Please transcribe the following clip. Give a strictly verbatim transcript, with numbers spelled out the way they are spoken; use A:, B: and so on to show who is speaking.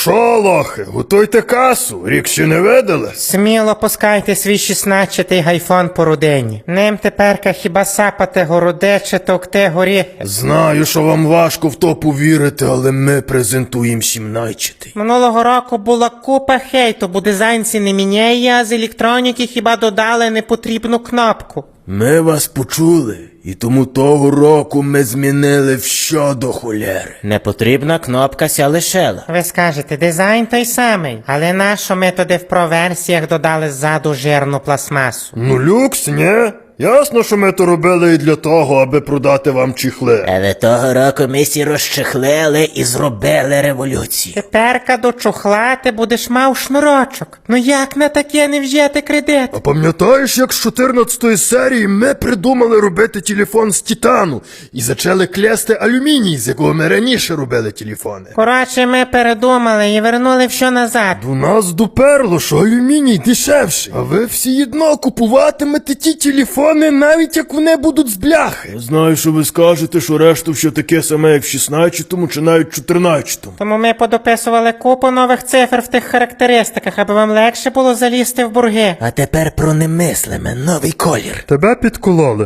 A: шо, лохи, готуйте касу, рік ще не видали?
B: Сміло пускайте свій шістнадцятий гайфон по родині. Ним теперка хіба сапати городе чи товкти горіхи.
A: Знаю, що вам важко в то повірити, але ми презентуємо сімнадцятий.
B: Минулого року була купа хейту, бо дизайнці не міняє, а з електроніки хіба додали непотрібну кнопку.
A: Ми вас почули, і тому того року ми змінили все до холєри.
C: Непотрібна кнопка ся лишила.
B: Ви скажете, дизайн той самий, але нащо ми туди в проверсіях додали ззаду жирну пластмасу?
A: Ну люкс, ні? Ясно, що ми то робили і для того, аби продати вам чіхли.
C: Але того року ми всі розчехлили і зробили революцію.
B: Теперка до чухла ти будеш мав шнурочок. Ну як на таке не взяти кредит?
A: А пам'ятаєш, як з чотирнадцятої серії ми придумали робити телефон з титану і зачали клясти алюміній, з якого ми раніше робили телефони?
B: Коротше, ми передумали і вернули все назад.
A: До нас доперло, що алюміній дешевший, а ви всі одно купуватимете ті телефони, навіть як вони будуть з бляхи. Я знаю, що ви скажете, що решту все таке саме, як в шістнадцятому чи навіть чотирнадцятому.
B: Тому ми подописували купу нових цифр в тих характеристиках, аби вам легше було залізти в бурги.
C: А тепер про немислиме, новий колір.
A: Тебе підкололи.